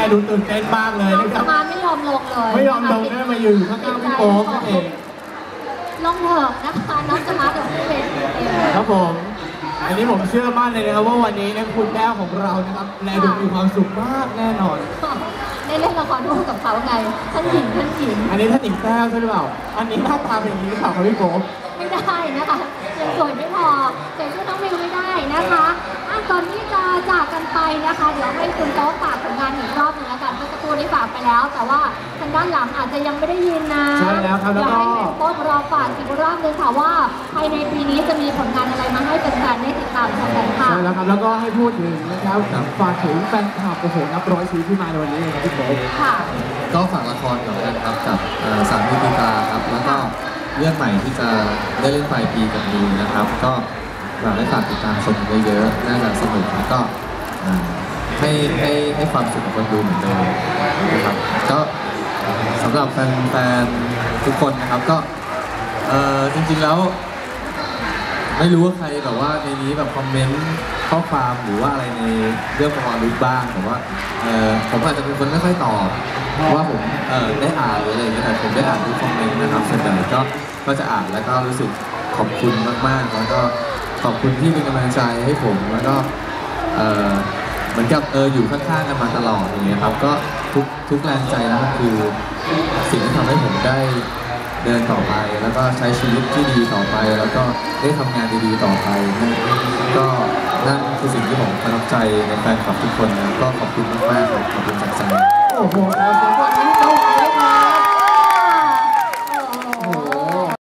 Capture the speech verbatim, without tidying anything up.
ดูตื่นเต้นมากเลยนะครับมาไม่ยอมลงเลยไม่ยอมลงนะมาอยู่ข้างๆพี่โป๊ปนั่นเองลงเถอะนะคะน้องจะมาเดี๋ยวพี่เป็นครับผมอันนี้ผมเชื่อมั่นเลยนะครับว่าวันนี้นะคุณแก้วของเรานะครับแลดูมีความสุขมากแน่นอนได้เล่นละครร่วมกับเขาไงท่านหญิงท่านหญิงอันนี้ท่านหญิงแก้วใช่หรือเปล่าอันนี้หน้าตาเป็นอย่างนี้หรือเปล่าครับพี่โป๊ปไม่ได้นะคะยังสวยไม่พอใส่ชุดน้องมิวไม่ได้นะคะอ่ะตอนนี้จะจากกันไปนะคะเดี๋ยวให้คุณโต๊ะฝากผลงานอีกรอบหนึ่งแล้วกันเมื่อสักครู่ได้ฝากไปแล้วแต่ว่าทางด้านหลังอาจจะยังไม่ได้ยินนะใช่แล้วครับแล้วก็ให้คุณโต๊ะรอฝากอีกรอบนึงค่ะว่าภายในปีนี้จะมีผลงานอะไรมาให้แฟนๆได้ติดตามชมกันค่ะใช่แล้วครับแล้วก็ให้พูดถึงนะครับฝากถึงแฟนคลับโอ้โหนับร้อยชีวิตที่มาในวันนี้เลยครับพี่โป๊ปค่ะก็ฝากละครก่อนกันครับกับสามมิติตาครับแล้วก็เรื่องใหม่ที่จะได้เล่นปลายปีกับมีนะครับก็ฝากให้ฝากติดตามชมเยอะๆน่าจะสนุกแล้วก็ให้ให้ให้ความสุขกับคนดูเหมือนเดิมนะครับก็สำหรับแฟนๆทุกคนนะครับก็เออจริงๆแล้วไม่รู้ว่าใครแบบว่าในนี้แบบคอมเมนต์ข้อความหรือว่าอะไรในเรื่องของรู้บ้างแต่ว่าเออผมอาจจะเป็นคนไม่ค่อยตอบเพราะว่าผมเออได้อ่านหรืออะไรอย่างเงี้ยแต่ผมได้อ่านทุกคอมเมนต์นะครับส่วนใหญ่ก็ก็จะอ่านแล้วก็รู้สึกขอบคุณมากๆแล้วก็ขอบคุณที่เป็นกำลังใจให้ผมแล้วก็เออเหมือนกับเอออยู่ข้างๆกันมาตลอดอย่างเงี้ยครับก็ทุกทุกแรงใจนะครับคือสิ่งที่ทำให้ผมได้เดินต่อไปแล้วก็ใช้ชีวิตที่ดีต่อไปแล้วก็ได้ทำงานดีๆต่อไปก็นั่นคือสิ่งที่ผมประทับใจในแฟนคลับทุกคนนะก็ขอบคุณมากๆขอบคุณจากใจโอ้โหขอบคุณมาก